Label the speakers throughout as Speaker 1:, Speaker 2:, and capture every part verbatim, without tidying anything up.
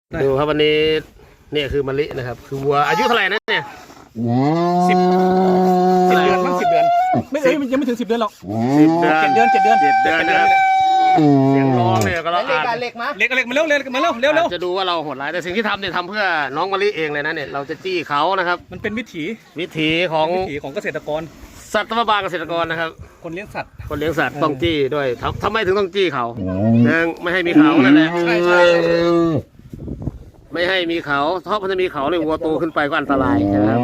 Speaker 1: ดูครับวันนี้เนี่ยคือมะลินะครับคือวัวอายุเท่าไหร่นะเนี่ย
Speaker 2: สิบสิบเดือนมั้งสิบเดือนไม่เอ้ยยังไม่ถึงสิบเดือนหรอกสิบเดือนเจ็ดเดือนเจ็ดเดือน
Speaker 1: เจ็ดเดือนนะครับเสียงร้องเนี่ยก็เราอาจ
Speaker 2: เล็กมาเล็กเล็กมาเร็วเร็วมาเร็วเร็วเร็ว
Speaker 1: จะดูว่าเราโหดร้ายแต่สิ่งที่ทำเนี่ยทำเพื่อน้องมะลิเองเลยนะเนี่ยเราจะจี้เขานะครับ
Speaker 2: มันเป็นวิถี
Speaker 1: วิถีของ
Speaker 2: วิถีของเกษตรกร
Speaker 1: สัตวบาลเกษตรกรนะครับ
Speaker 2: คนเลี้ยงสัตว์
Speaker 1: คนเลี้ยงสัตว์ต้องจี้ด้วยทำไมถึงต้องจี้เขาหนึ่งไม่ให้มีเขานั่นแหละ
Speaker 2: ใช่ใช่
Speaker 1: ไม่ให้มีเขาเพราะมันจะมีเขาเลยวัวโตขึ้นไปก็อันตรายนะครับ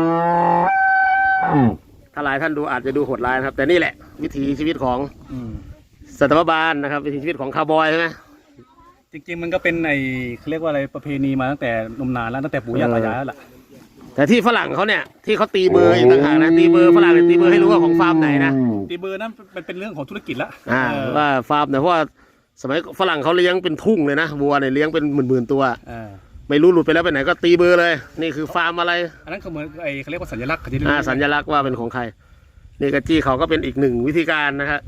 Speaker 1: ถ้าหลายท่านดูอาจจะดูโหดร้ายนะครับแต่นี่แหละวิถีชีวิตของสัตวบาลนะครับวิถีชีวิตของคาวบอยใช่ไหม
Speaker 2: จริงๆมันก็เป็นไอเขาเรียกว่าอะไรประเพณีมาตั้งแต่นมนานแล้วตั้งแต่ปู่ย่าตายายแล้วล่ะ
Speaker 1: แต่ที่ฝรั่งเขาเนี่ยที่เขาตีเบอร์อีกต่างหากนะตีเบอร์ฝรั่งเนี่ยตีเบอร์ให้รู้ว่าของฟาร์มไหนนะ
Speaker 2: ตีเบอร์นั้นเป็นเป็นเรื่องของธุรกิจละ
Speaker 1: อ่าว่าฟาร์มเนี่ยเพราะว่าสมัยฝรั่งเขาเลี้ยงเป็นทุ่งเลยนะวัวเนี่ยเลี้ยงเป็นหมื่นๆตัวไม่รู้หลุดไปแล้วไปไหนก็ตีเบอร์เลยนี่คือฟาร์มอะไร
Speaker 2: อันนั้นเขาเหมือนไอเขาเรียกว่าสัญลักษณ์
Speaker 1: อ่าสัญลักษณ์ว่าเป็นของใครนี่กระจี้เขาก็เป็นอีกหนึ่งวิธีการนะครับ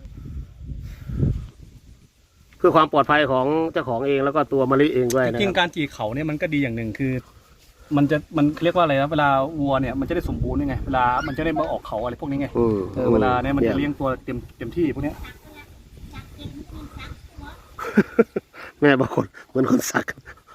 Speaker 1: เพื่อความปลอดภัยของเจ้าของเองแล้วก็ตัวมะลิเองด้วยนะ
Speaker 2: จริงการจีเขาเนี่ยมันก็ดีอย่างหนึ่งคือมันจะมันเรียกว่าอะไรนะเวลาวัวเนี่ยมันจะได้สมบูรณ์ยังไงเวลามันจะได้มาออกเขาอะไรพวกนี้ไงเออเวลาเนี่ยมันจะเลี้ยงตัวเต็มเต็มที่พวกเนี้ย
Speaker 1: แม่บางคนเหมือนคนสัก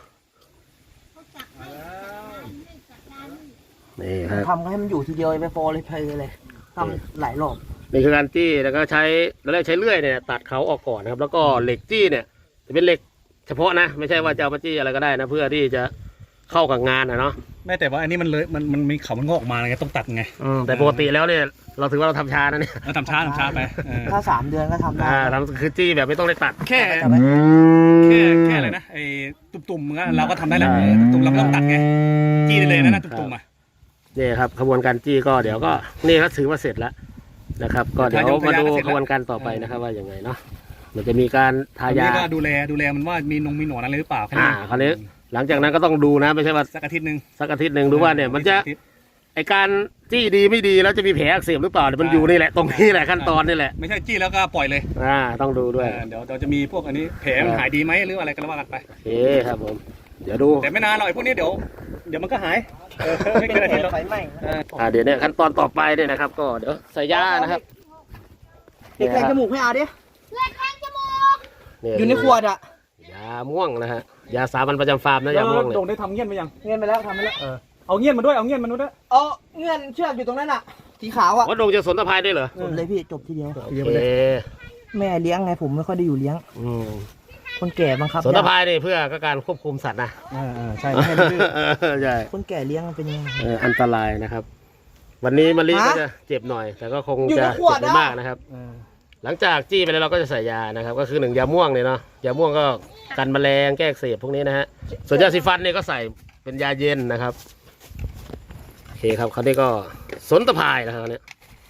Speaker 1: นี่ครับ
Speaker 3: ทำให้มันอยู่ทีเดียวไปโฟเลยเพลเลยทำหลายรอบ
Speaker 1: นี่คือการจี้แล้วก็ใช้เราได้ใช้เลื่อยเนี่ยตัดเขาออกก่อนนะครับแล้วก็เหล็กจี้เนี่ยจะเป็นเหล็กเฉพาะนะไม่ใช่ว่าจะเอามาจี้อะไรก็ได้นะเพื่อที่จะเข้ากับงานนะเนาะ
Speaker 2: แม่แต่ว่าอันนี้มันเลยมันมันมีเขามันงอกออกมาไงต้องตัดไง
Speaker 1: แต่ปกติแล้วเนี่ยเราถือว่าเราทำช้านะเนี่ย
Speaker 2: เราทำช้าทำช้าไป
Speaker 3: ถ้าสามเดือนก็ทำได้
Speaker 1: ทำคือจี้แบบไม่ต้องได้ตัด
Speaker 2: แค่แค่แค่อะไรนะไอ้ตุ่มๆเราก็ทำได้แล้วตุ่มเราไม่ต้องตัดไงจี้ได้เลยนะตุ่มๆอ่ะ
Speaker 1: นี่ครับขบวนการจี้ก็เดี๋ยวก็นี่ก็ถือว่าเสร็จแล้วนะครับก็เดี๋ยวมาดูขบวนการต่อไปนะครับว่าอย่างไงเนาะมันจะมีการทายา
Speaker 2: ก็ดูแลดูแลมันว่ามีนงมีหนอนอะไรหรือเปล่า
Speaker 1: อ่าคราวนี้หลังจากนั้นก็ต้องดูนะไม่ใช่ว่า
Speaker 2: สักอาทิตย์หนึ่ง
Speaker 1: สักอาทิตย์หนึ่งดูว่าเนี่ยมันจะไอการจี้ดีไม่ดีแล้วจะมีแผลอักเสบหรือเปล่ามันอยู่นี่แหละตรงนี้แหละขั้นตอนนี่แหละ
Speaker 2: ไม่ใช่จี้แล้วก็ปล่อยเลย
Speaker 1: อ่าต้องดูด้วย
Speaker 2: เดี๋ยวเราจะมีพวกอันนี้แผลมันหายดีไหมหรืออะไรก็ว่ากันไป
Speaker 1: โอเคครับผมเดี๋ยวดู
Speaker 2: แต่ไม่นานหรอกพวกนี้เดี๋ยวเดี๋ยวมันก็หายไม่เกินอาทิตย์หรอก
Speaker 3: ไฟไหม้
Speaker 1: อ่าเดี๋ยวเนี่ยขั้นตอนต่อไปเนี่ยนะครับก็เดี๋ยวใส่ยานะครับ
Speaker 3: เด็กแทงจมูกให้อาดิ
Speaker 4: เด็กแทงจมูก
Speaker 3: อยู่ในขวดอ่ะ
Speaker 1: ยาม่วงนะฮะยาสามัญประจำฟาร์มนะยาม่วงเลย
Speaker 2: โด่งได้ทำเงี้ยนไปยัง
Speaker 3: เงี้ยนไปแล้วทำไปแล้ว
Speaker 2: เอาเงี้ยนมาด้วยเอาเงี้ยนมาด้วย
Speaker 3: เอาเงี้ยนเชือกอยู่ตรงนั้นอ่ะสีขาวอ่ะ
Speaker 1: ว่าโด่งจะสนตะไคร้ได้เหรอ
Speaker 3: สนเลยพี่จบทีเดียว
Speaker 1: โอเค
Speaker 3: แม่เลี้ยงไงผมไม่ค่อยได้อยู่เลี้ยงคนแก่บังคับ
Speaker 1: สนตะไคร้นี่เพื่อการควบคุมสัตว์นะ
Speaker 2: ใช่
Speaker 1: ใช่
Speaker 3: คนแก่เลี้ยงเป็นยังไง
Speaker 1: อันตรายนะครับวันนี้มะลิก็จะเจ็บหน่อยแต่ก็คงจะเจ็บไม่มากนะครับหลังจากจี้ไปแล้วเราก็จะใส่ยานะครับก็คือหนึ่งยาม่วงเนี่ยเนาะยาม่วงก็กันแมลงแก้อักเสบพวกนี้นะฮะส่วนยาสีฟันเนี่ยก็ใส่เป็นยาเย็นนะครับโอเคครับเขาได้ก็สนตะพายนะครับเนี่ย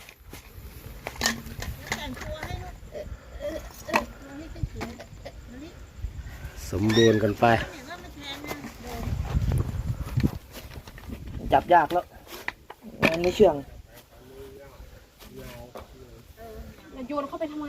Speaker 1: สมบูรณ์กันไป
Speaker 3: จับยากแล้วมันไม่เชื่อง
Speaker 4: โยนเข้าไปทำไม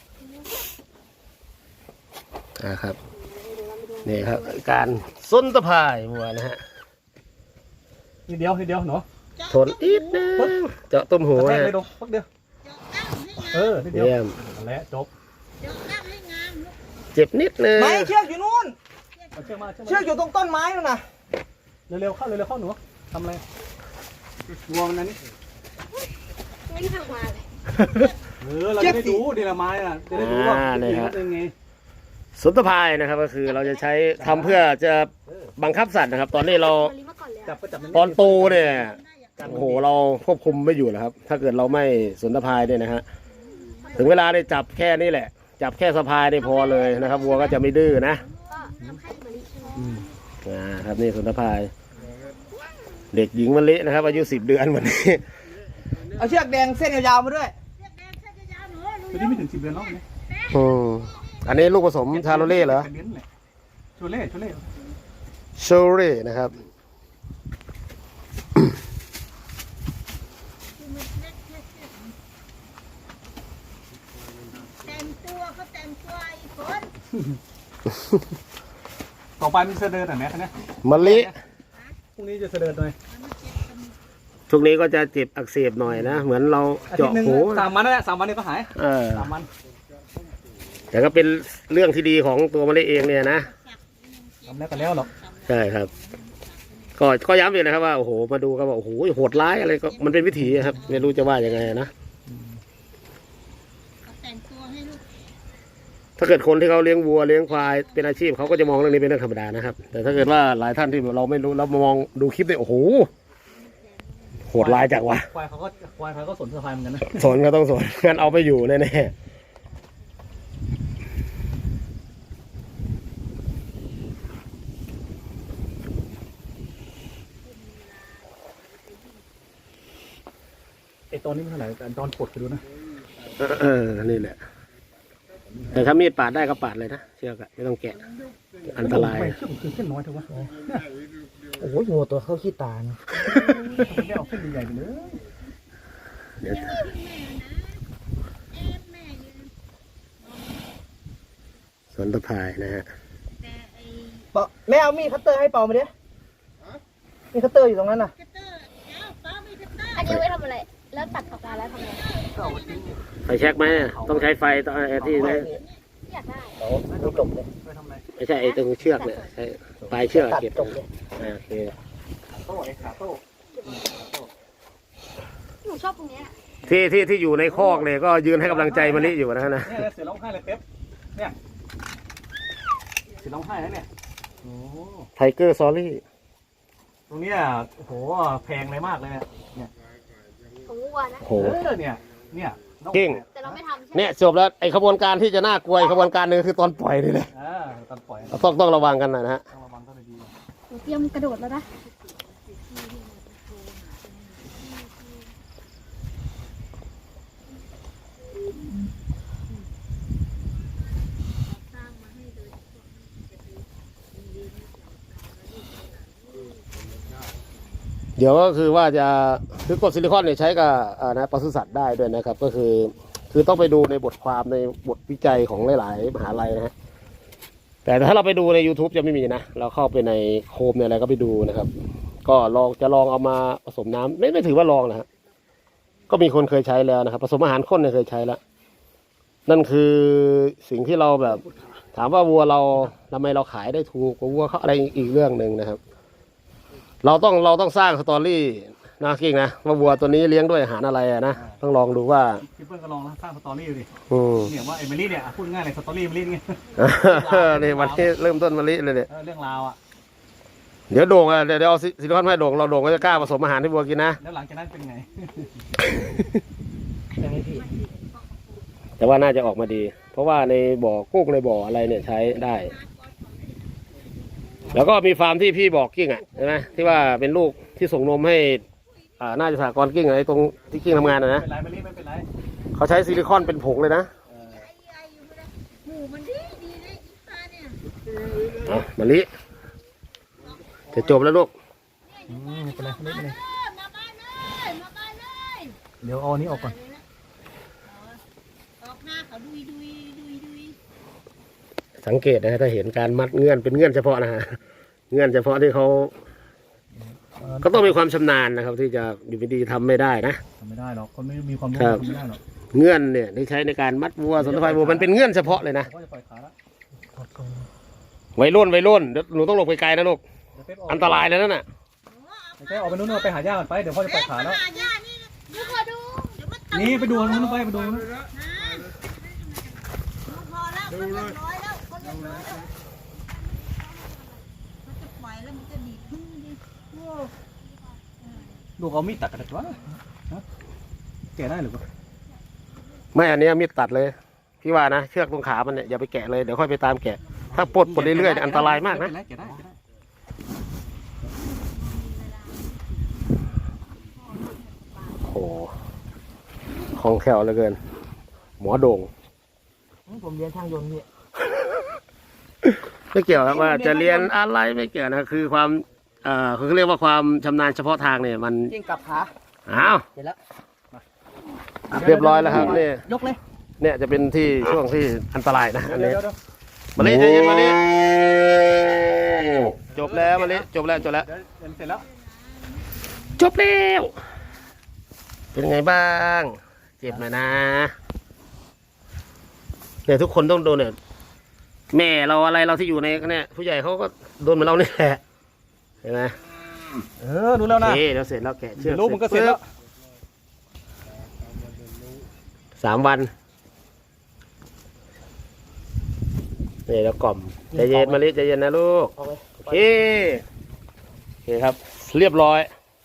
Speaker 1: อ่าครับนี่ครับการสนตะพายวัวนะฮะ
Speaker 2: นิดเดียวนิดเดียวหนู
Speaker 1: ทนอีกนะเจาะต้มหู
Speaker 2: นะเลยดูพักเดียวเออนิดเดียวและจบ
Speaker 1: เจ็บนิดนึง
Speaker 3: ไม่เชือกอยู่นู่นเชือกอยู่ตรงต้นไม้นู่นน่ะ
Speaker 2: เร็วๆเข้าเร็วๆเข้าหนูทำอะไรงวงนั่นนี่
Speaker 4: ไม่ทำมาเลย
Speaker 2: เออเราจะได้ดูดีละไม้อ่ะจะได้ดูว่าเป็นไง
Speaker 1: สนตะพายนะครับก็คือเราจะใช้ทำเพื่อจะบังคับสัตว์นะครับตอนนี้เราตอนโตเนี่ยโอ้โหเราควบคุมไม่อยู่แล้วครับถ้าเกิดเราไม่สนตะพายเนี่ยนะฮะถึงเวลาได้จับแค่นี้แหละจับแค่สะพายได้พอเลยนะครับวัวก็จะไม่ดื้อนะอ่าครับนี่สนตะพายเด็กหญิงมะลินะครับอายุสิบเดือนวันนี้
Speaker 3: เอาเชือกแดงเส้นยาวๆมาด้วย
Speaker 2: ตัวนี้ไม่ถึงสิบเดือนแล้วเนี่ย
Speaker 1: อืมอันนี้ลูกผสมชาโลเล่เหรอ
Speaker 2: โชเล่โชเล่
Speaker 1: โชเล่นะครับ
Speaker 4: แต่งตัวเขาแต่งตัวอีกคน
Speaker 2: ต่อไปมันจะเดินหน่อยไหมคันนี้
Speaker 1: มะลิ
Speaker 2: พรุ่งนี้จะเดินหน่อย
Speaker 1: ช่วงนี้ก็จะเจ็บอักเสบหน่อยนะเหมือนเรา
Speaker 2: อาทิต
Speaker 1: เจาะ
Speaker 2: ย์หนึ่ง
Speaker 1: หู
Speaker 2: สามวันนั่นแหละสามวันนี้ก็หาย
Speaker 1: เออ
Speaker 2: สามวัน
Speaker 1: แต่ก็เป็นเรื่องที่ดีของตัวมะลิเองเนี่ยนะ
Speaker 2: ทำแล้วก็แล้วหรอก
Speaker 1: ใช่ครับ ก็ก็ย้ำอีกนะครับว่าโอ้โหมาดูก็บอกโอ้โหโหดร้ายอะไรก็มันเป็นวิถีครับไม่รู้จะว่ายังไงนะถ้าเกิดคนที่เขาเลี้ยงวัวเลี้ยงควายเป็นอาชีพเขาก็จะมองเรื่องนี้เป็นเรื่องธรรมดานะครับ แต่ถ้าเกิดว่าหลายท่านที่เราไม่รู้เรามองดูคลิปเนี่ยโอ้โหโหดร้ายจังวะ
Speaker 2: ควายเขาก็ควายเขาก็สนสะพายเหมือนกันนะ
Speaker 1: สนก็ต้องสนงั้นเอาไปอยู่แน่ๆ
Speaker 2: ไอตอนนี้มันเท่าไหร่แต่ตอนปลดไปดูนะ
Speaker 1: เออนี่แหละแต่ถ้ามีดปาดได้ก็ปาดเลยนะเชือกอะไม่ต้องแกะอันตราย
Speaker 2: ไม่เส้นคือเส้นน้อยเถอะวะ
Speaker 3: โอ้โหงูตัวเข้าขี้ตานะ
Speaker 2: ไม่ได้เอาเส้นใหญ่ๆไปเลย
Speaker 1: เดี๋ยวสวนตะพายนะฮะ
Speaker 3: เปาแม่เอามีดคัตเตอร์ให้เปามาดิมีคัตเตอร์อยู่ตรงนั้นน่ะ
Speaker 4: อันนี้ไว้ทำอะไร แล้วตัดออกมาแล้วทำไง
Speaker 1: ไฟแช็กไหมต้องใช้ไฟตอนไอ้ที่นะ
Speaker 4: อยากได้
Speaker 3: โอ้ไม่จบเลย
Speaker 2: ไปทำอะไร
Speaker 1: ไม่ใช่ไอ้ตรงเชือกเนี่ยใช้ปลายเชือก
Speaker 3: ตัด
Speaker 1: เก็บ
Speaker 3: จบเลย
Speaker 1: อ่าโอเค
Speaker 2: โต้ไอ้ขาโต้
Speaker 4: หนูชอบตรงเนี้ย
Speaker 1: ที่ที่ที่อยู่ในคอกเนี่ยก็ยืนให้กำลังใจมะลิอยู่นะฮะนะ
Speaker 2: เนี่ยเสือร้องไห้เลยเป๊ปเนี่ยเสือร้องไห้แล้วเนี่ยโอ้
Speaker 1: ไทเกอร์ซอรี่
Speaker 2: ตรงเนี้ยโอ้โหแพงเลยมากเลยเนี่ย
Speaker 4: ของวัวนะ
Speaker 1: โห
Speaker 2: เออเนี่ยเนี่ย
Speaker 1: เก่ง
Speaker 4: แต่เราไม่ทำใช่ไหม
Speaker 1: เนี่ยจบแล้วไอ้ขบวนการที่จะน่ากลัวอีกขบวนการหนึ่งคือตอนปล่อยนี่แหละ
Speaker 2: อ่าตอนปล่อย
Speaker 1: ต้องต้องระวังกันนะฮะ
Speaker 2: ต้องระวังต้องดี
Speaker 4: หนูเตรียมกระโดดแล้วนะ
Speaker 1: เดี๋ยวก็คือว่าจะคือกรดซิลิคอนเนี่ยใช้กับอ่านะปศุสัตว์ได้ด้วยนะครับ ก็คือ คือต้องไปดูในบทความในบทวิจัยของหลายๆมหาลัยนะฮะแต่ถ้าเราไปดูใน YouTube จะไม่มีนะเราเข้าไปในโคมในอะไรก็ไปดูนะครับ ก็ลองจะลองเอามาผสมน้ำไม่ไม่ถือว่าลองนะฮะก็มีคนเคยใช้แล้วนะครับผสมอาหารข้นเนี่ยเคยใช้แล้วนั่นคือสิ่งที่เราแบบ ถามว่าวัวเราทำไมเราขายได้ถูกกว่าวัวเขาอะไรอีกเรื่องหนึ่งนะครับ เราต้องเราต้องสร้างสตอรี่นะกิ้งนะว่าวัวตัวนี้เลี้ยงด้วยอาหารอะไรอะนะต้องลองดูว่า
Speaker 2: ๆพี่เปิ้ลก็ลองสร้างสตอรี่ดูดิ
Speaker 1: อืม
Speaker 2: เนี่ยว่าเอมิลี่เนี่ยพูดง่ายเลยสตอรี่เอมิลี่ไง
Speaker 1: นี่วันที่เริ่มต้นมะลิเลยเนี่ย
Speaker 2: เออเรื่องราวอ่ะ
Speaker 1: เดี๋ยวโด่งอ่ะเดี๋ยวเดี๋ยวเอาซิซิลิคอนให้โด่งเราโด่งก็จะกล้าผสมอาหารให้วัวกินนะ
Speaker 2: แล้วหลังจากนั้นเป็นไง
Speaker 3: ยังไม่ผิด
Speaker 1: แต่ว่าน่าจะออกมาดี เพราะว่าในบ่อกุ้งในบ่ออะไรเนี่ยใช้ได้ แล้วก็มีฟาร์มที่พี่บอกกิ้งอ่ะใช่ไหมที่ว่าเป็นลูกที่ส่งนมให้อ่าน่าจะสากรณ์กิ้งอะไรตรงที่กิ้งทำงานนะนะ
Speaker 2: ไม่เป็นไรเอมิลี่ไม่เป็นไร
Speaker 1: เขาใช้ซิลิคอนเป็นผงเลยนะ
Speaker 2: เออ
Speaker 4: หมูมันดีดีเลยอีปลาเนี่ย
Speaker 1: เอามะลิจะจบแล้วลูก
Speaker 2: อืมไม่เป็นไรไม่เป็นไร
Speaker 4: เออมาบ้านเลยมาบ้านเลย
Speaker 2: เดี๋ยวเอาอันนี้ออกก่อน
Speaker 4: ออกหน้าเขาดุยดุยดุยดุย
Speaker 1: สังเกตนะถ้าเห็นการมัดเงื่อนเป็นเงื่อนเฉพาะนะฮะเงื่อนเฉพาะที่เขาก็ต้องมีความชำนาญนะครับ ที่จะอยู่ดีๆทำไม่ได้นะ
Speaker 2: ทำไม่ได้หรอกคนไม่มีความรู้
Speaker 1: ครับ
Speaker 2: ทำไม่ได้หรอก
Speaker 1: เงื่อนเนี่ยที่ใช้ในการมัดวัวสนทภายวัวมันเป็นเงื่อนเฉพาะเลยนะ
Speaker 2: เขาจะปล่อยขาแล้ว
Speaker 1: วัยรุ่นวัยรุ่นเดี๋ยวหนูต้องหลบไกลๆนะลูก
Speaker 2: เดี๋ยวเป๊ปออก
Speaker 1: อันตรายเลยนั่นน่ะ
Speaker 2: เดี๋ยวเป๊ปออกไปนู้นไปหาย่าก่อนไปเดี๋ยวพ่อจะปล่อยขาแล้ว
Speaker 4: หาย่านี่เดี๋ยวขอดูเดี๋ยวมันตก
Speaker 2: นี่ไปดูนู้นไปไปดูนู้น
Speaker 4: นะพอแล้วคนเรียบร้อยแล้วคนเรียบร้อยแล้วมันจะปล่อยแล้วมันจะดีดพึ่งดิโอ้
Speaker 2: ลูกเอามีดตัดกันวะฮะแกะได้หรือเปล่า
Speaker 1: ไม่อันนี้มีดตัดเลยพี่ว่านะเชือกตรงขามันเนี่ยอย่าไปแกะเลยเดี๋ยวค่อยไปตามแกะ ถ้าปลดปลดเรื่อยๆเนี่ยอันตรายมากนะ
Speaker 2: แกะได้แกะได้แกะได้
Speaker 1: โอ้โหคล่องแคล่วเหลือเกิน หมอโด่ง
Speaker 3: ผมเรียนช่างยนต์พี่
Speaker 1: ไม่เกี่ยวครับว่าจะเรียนอะไรไม่เกี่ยวนะคือความเอ่อเขาเรียกว่าความชำนาญเฉพาะทางเนี่ยมัน
Speaker 3: จริงกลับขา
Speaker 1: อ้าว
Speaker 3: เสร็จแล้ว
Speaker 1: เรียบร้อยแล้วครับเนี่ย
Speaker 3: ยกเลย
Speaker 1: เนี่ยจะเป็นที่ช่วงที่อันตรายนะอัน
Speaker 2: เดี๋ยว
Speaker 1: นี้
Speaker 2: เดี๋ยวเดี๋ยว
Speaker 1: มาลิใจเย็นมาลิจบแล้วมาลิจบแล้วจบแล้ว
Speaker 2: เดี๋ยวเสร็จแล้ว
Speaker 1: จบแล้วเป็นไงบ้างเจ็บหน่อยนะเนี่ยทุกคนต้องโดนเนี่ยแม่เราอะไรเราที่อยู่ในเนี่ยผู้ใหญ่เขาก็โดนเหมือนเราเนี่ยแหละเห็นไหม
Speaker 2: เออรู้แล้วนะ
Speaker 1: โอเคเราเสร็จแล้วแกะเชือก
Speaker 2: รู้มันก็เสร็จแล้ว
Speaker 1: สามวันนี่แล้วกล่อมใจเย็นมาลิใจเย็นนะลูก
Speaker 3: เอาไว้
Speaker 1: โอเคโอเคครับ เรียบร้อย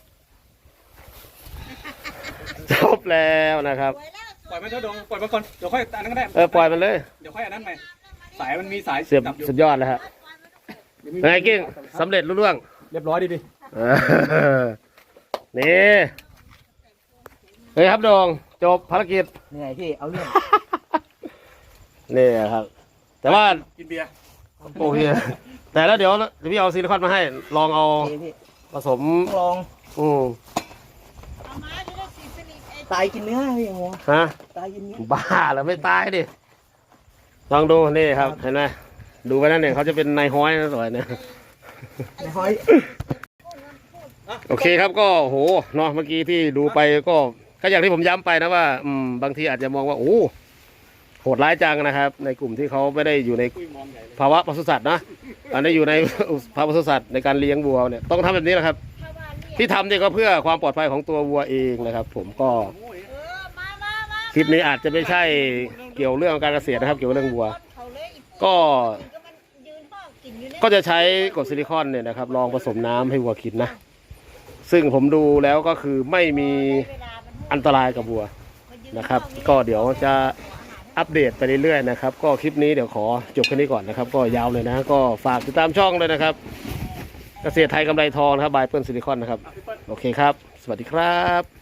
Speaker 1: จบแล้วนะครับ
Speaker 2: ปล่อยมันเถอะดงปล่อยมันก่อนเดี๋ยวค่อยอันนั้นก็ได้
Speaker 1: เออปล่อยมันเลย
Speaker 2: เดี๋ยวค่อยอันนั้นใหม่สายมันมีสาย
Speaker 1: เสียบ
Speaker 2: จับอยู่
Speaker 1: สุดยอดเลยฮะเป็นไงกิ้งสำเร็จรุ่ร่วง
Speaker 2: เรียบร้อยดีดิ
Speaker 1: เออนี่เฮ้ยครับโดงจบภารกิจ
Speaker 3: เหนื่อยพี่เอาเรื่อง
Speaker 1: นี่ครับ แต่ว่า
Speaker 2: กินเบียร์
Speaker 1: โอเคแต่แล้วเดี๋ยวเดี๋ยวพี่เอาซิลิคอนมาให้ ลองเอา
Speaker 3: โอเคพี่
Speaker 1: ผสม
Speaker 3: ลอง
Speaker 1: อืม
Speaker 4: เอามาจะได้สีสนิทไอ้
Speaker 3: ตายกินเนื้อพี่หัว
Speaker 1: ฮะ
Speaker 3: ตายกินเนื้อ
Speaker 1: บ้าเหรอไม่ตายดิ ลองดูนี่ครับ เห็นไหมดูไปนั่นเนี่ยเขาจะเป็นนายห้อยนะสวยเนี่ย
Speaker 3: ในห้อย
Speaker 1: โอเคครับก็โหเนาะเมื่อกี้ที่ดูไปก็ก็อย่างที่ผมย้ำไปนะว่าอืมบางทีอาจจะมองว่าโอ้โหดร้ายจังนะครับ ในกลุ่มที่เขาไม่ได้อยู่ใน
Speaker 2: คุยมองใหญ่เลย
Speaker 1: ภาวะปศุสัตว์นะอันนี้อยู่ใน ภาวะปศุสัตว์ในการเลี้ยงวัวเนี่ยต้องทำแบบนี้แหละครับ
Speaker 4: ถ้าว่าเรียก
Speaker 1: ที่ทำเนี่ยก็เพื่อความปลอดภัยของตัววัวเองนะครับ ผมก็
Speaker 4: เออมามามา
Speaker 1: คลิปนี้อาจจะไม่ใช่เกี่ยวเรื่องการเกษตรนะครับ เกี่ยวกับเรื่องวัว
Speaker 4: เขาเลยอี
Speaker 1: ก็
Speaker 4: ก็มันยืนพ่อกินอยู่เนี่ย
Speaker 1: ก็จะใช้กรดซิลิคอนเนี่ยนะครับลองผสมน้ำให้วัวกินนะซึ่งผมดูแล้วก็คือไม่มีอันตรายกับวัวนะครับ ก็เดี๋ยวจะอัปเดตไปเรื่อยๆนะครับ ก็คลิปนี้เดี๋ยวขอจบแค่นี้ก่อนนะครับ ก็ยาวเลยนะ ก็ฝากติดตามช่องเลยนะครับ เกษตรไทยกำไรทองนะครับบายเปิ้ลซิลิคอนนะครับ โอเคครับ สวัสดีครับ